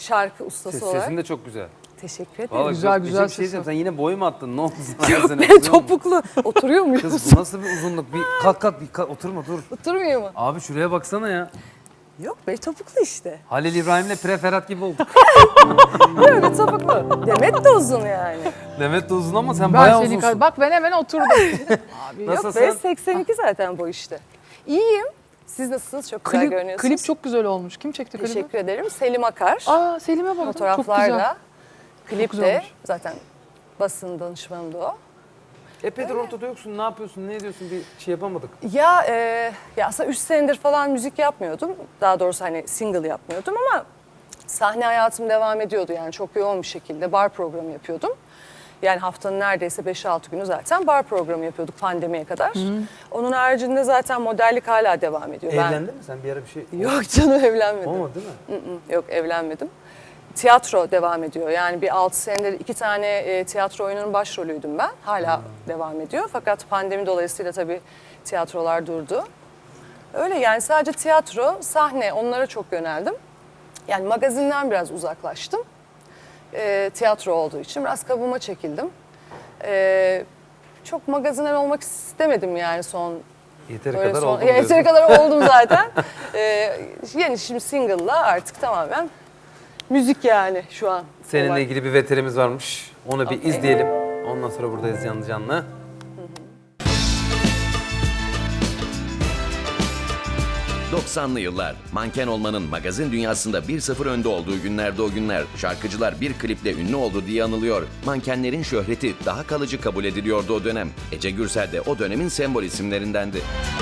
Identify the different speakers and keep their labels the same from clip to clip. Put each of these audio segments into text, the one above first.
Speaker 1: şarkı ustası olarak.
Speaker 2: Sesin de çok güzel.
Speaker 1: Teşekkür ederim.
Speaker 2: Vallahi
Speaker 3: Güzel,
Speaker 2: bir
Speaker 3: güzel
Speaker 2: şey
Speaker 3: ses
Speaker 2: diyeceğim.
Speaker 3: var.
Speaker 2: Sen yine boy mu attın? Ne oldu sana?
Speaker 1: Yok
Speaker 2: Sen
Speaker 1: be,
Speaker 2: biliyor musun?
Speaker 1: topuklu. Oturuyor muyuz?
Speaker 2: Kız bu nasıl bir uzunluk? Bir kalk bir kalk. Oturma dur.
Speaker 1: Oturmuyor mu?
Speaker 2: Abi şuraya baksana ya.
Speaker 1: Yok be, topuklu işte.
Speaker 2: Halil İbrahim'le Preferat gibi olduk.
Speaker 1: Böyle topuklu. Demet de uzun yani.
Speaker 2: Demet de uzun ama sen
Speaker 3: Ben
Speaker 2: bayağı
Speaker 3: seni
Speaker 2: uzunsun.
Speaker 3: Bak ben hemen oturdum. Abi,
Speaker 2: Nasıl
Speaker 1: Yok be,
Speaker 2: sen?
Speaker 1: 82 zaten bu işte. İyiyim. Siz nasılsınız? Çok güzel görünüyorsunuz.
Speaker 3: klip çok güzel olmuş. Kim çekti klibi?
Speaker 1: Teşekkür ederim. Selim Akar.
Speaker 3: Aa Selim'e bak. Çok güzel.
Speaker 1: Fotoğraflarda. Klip
Speaker 3: güzel
Speaker 1: de
Speaker 3: olmuş.
Speaker 1: zaten basın danışmanım da o.
Speaker 2: Epeydir ortada yoksun. Ne yapıyorsun? Ne ediyorsun? Bir şey yapamadık.
Speaker 1: Ya aslında 3 senedir falan müzik yapmıyordum. Daha doğrusu hani single yapmıyordum ama sahne hayatım devam ediyordu. Yani çok yoğun bir şekilde bar programı yapıyordum. Yani haftanın neredeyse 5-6 günü zaten bar programı yapıyorduk pandemiye kadar. Onun haricinde zaten modellik hala devam ediyor.
Speaker 2: Evlendin mi? Sen bir ara bir şey...
Speaker 1: Yok canım, evlenmedim.
Speaker 2: Olmadı değil mi?
Speaker 1: Yok, evlenmedim. Tiyatro devam ediyor. Yani bir 6 senedir 2 tane tiyatro oyununun başrolüydüm ben. Hala devam ediyor. Fakat pandemi dolayısıyla tabii tiyatrolar durdu. Öyle yani, sadece tiyatro, sahne, onlara çok yöneldim. Yani magazinden biraz uzaklaştım. Tiyatro olduğu için biraz kabuğuma çekildim. Çok magaziner olmak istemedim yani son...
Speaker 2: Yeteri
Speaker 1: Böyle
Speaker 2: kadar
Speaker 1: son-
Speaker 2: oldum
Speaker 1: Yeteri
Speaker 2: diyorsun.
Speaker 1: kadar oldum zaten. Yani şimdi single'la artık tamamen müzik yani şu an.
Speaker 2: Seninle
Speaker 1: Olay.
Speaker 2: ilgili bir veterimiz varmış. Onu bir
Speaker 1: Okey.
Speaker 2: izleyelim. Ondan sonra buradayız canlı canlı.
Speaker 4: ...90'lı yıllar. Manken olmanın magazin dünyasında 1-0 önde olduğu günlerde o günler. Şarkıcılar bir kliple ünlü oldu diye anılıyor. Mankenlerin şöhreti daha kalıcı kabul ediliyordu o dönem. Ece Gürsel de o dönemin sembol isimlerindendi.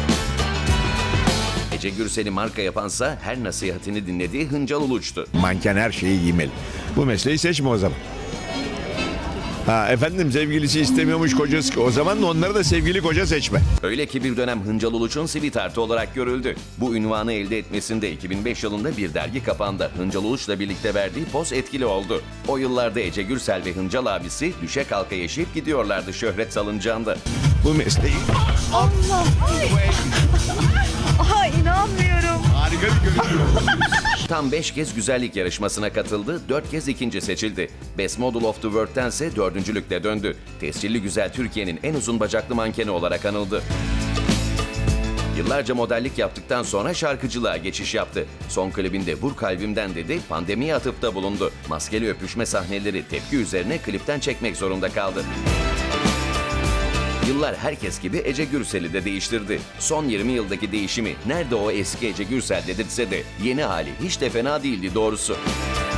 Speaker 4: Ece Gürsel'i marka yapansa her nasihatini dinlediği Hıncal Uluç'tu.
Speaker 5: Manken her şeyi giymeli. Bu mesleği seçme o zaman. Ha efendim, sevgilisi istemiyormuş kocası. O zaman onları da sevgili koca seçme.
Speaker 4: Öyle ki bir dönem Hıncal Uluç'un sivit artı olarak görüldü. Bu ünvanı elde etmesinde 2005 yılında bir dergi kapağında Hıncal Uluç'la birlikte verdiği poz etkili oldu. O yıllarda Ece Gürsel ve Hıncal abisi düşe kalka yaşayıp gidiyorlardı şöhret salıncağında.
Speaker 5: Bu mesleği
Speaker 6: Aha, inanmıyorum.
Speaker 5: harika bir görüşüm.
Speaker 4: Tam 5 kez güzellik yarışmasına katıldı, 4 kez ikinci seçildi. Best Model of the World'tense dördüncülükle döndü. Tescilli güzel Türkiye'nin en uzun bacaklı mankeni olarak anıldı. Yıllarca modellik yaptıktan sonra şarkıcılığa geçiş yaptı. Son klibinde "Vur Kalbimden" dedi, pandemiye atıfta bulundu. Maskeli öpüşme sahneleri tepki üzerine klipten çekmek zorunda kaldı. Yıllar herkes gibi Ece Gürsel'i de değiştirdi. Son 20 yıldaki değişimi nerede o eski Ece Gürsel dedirtse de yeni hali hiç de fena değildi doğrusu.